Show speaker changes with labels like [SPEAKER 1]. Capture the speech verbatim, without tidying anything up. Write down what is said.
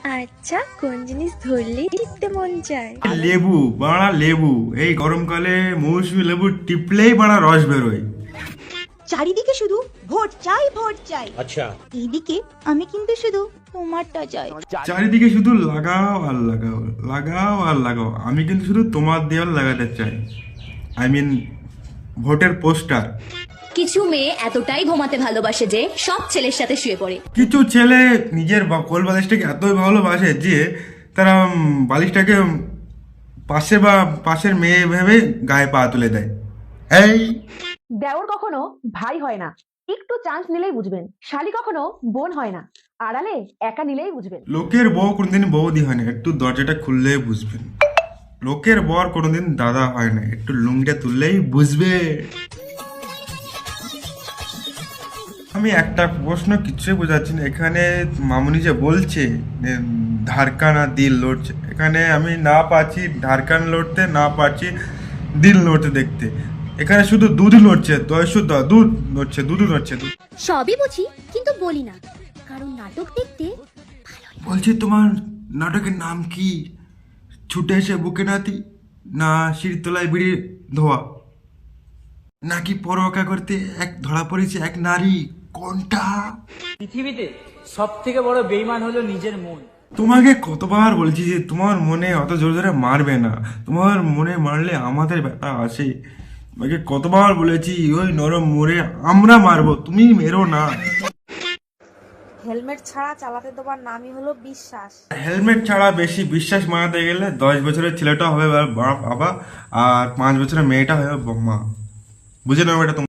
[SPEAKER 1] আচ্ছা, কোন জিনিস ধরলেই টিপতে মন চায়?
[SPEAKER 2] লেবু বাড়া লেবু, এই গরমকালে মৌসুমী লেবু টিপলেই বাড়া রস বেরোয়।
[SPEAKER 3] চারিদিকে শুধু ভোট চাই ভোট চাই।
[SPEAKER 4] আচ্ছা,
[SPEAKER 3] এইদিকে আমি কিন্তু শুধু তোমারটা চাই।
[SPEAKER 2] চারিদিকে শুধু লাগাও আর লাগাও, লাগাও আর লাগাও, আমি কিন্তু শুধু তোমার দেওয়াল লাগাতে চাই। আই মিন ভোটের পোস্টার।
[SPEAKER 5] কিছু মেয়ে এতটাই ঘুমাতে ভালোবাসে যে সব ছেলের সাথে শুয়ে পড়ে।
[SPEAKER 2] কিছু ছেলে নিজের বা কোল বালিশটাকে এতই ভালোবাসে যে তারা উম, বালিশটাকে উম, পাশে বা পাশের মেয়ে ভেবে গায়ে পা তুলে দেয়। এই
[SPEAKER 6] দেওর কখনো ভাই হয় না, একটু চান্স নিলেই বুঝবেন। শালি কখনো বোন হয় না, আড়ালে একা নিলেই বুঝবেন।
[SPEAKER 2] লোকের বউ কোনোদিন বৌদি হয় না, একটু দরজাটা খুললেই বুঝবেন। লোকের বর কোনোদিন দাদা হয় না, একটু লুঙ্গিটা তুললেই বুঝবে। আমি একটা প্রশ্ন কিছুই বোঝাচ্ছি না, এখানে মামুনি যে বলছে যে ধারকান আর দিল লড়ছে, এখানে আমি না পাচ্ছি ধারকান লড়তে, না পাচ্ছি দিল লড়তে দেখতে। এখানে শুধু দুধ লড়ছে, দয় শুদ্ধ দুধ লড়ছে, দুধ লড়ছে দুধ।
[SPEAKER 7] সবই বুঝি কিন্তু বলি না, কারণ নাটক দেখতে
[SPEAKER 2] বলছি তোমার নাটকের নাম কি? ছুটে এসে বুকে নাতি, না শিরতলায় বিড়ি ধোয়া, নাকি পরোয়াকা করতে এক ধরা পড়েছে এক নারী, কোনটা?
[SPEAKER 8] পৃথিবীতে সব থেকে বড় বেইমান হলো নিজের মন।
[SPEAKER 2] তোমাকে কতবার বলছি যে তোমার মনে অত জোরে জোরে মারবে না, তোমার মনে মারলে আমাদের ব্যথা আসে। তোমাকে কতবার বলেছি ওই নরম মোড়ে আমরা মারবো, তুমি মেরো না।
[SPEAKER 9] হেলমেট ছাড়া চালাতে দেওয়ার নামই হলো বিশ্বাস।
[SPEAKER 2] হেলমেট ছাড়া বেশি বিশ্বাস মানাতে গেলে দশ বছরের ছেলেটা হবে বাবা, আর পাঁচ বছরের মেয়েটা হবে মা। বুঝে নাও এটা।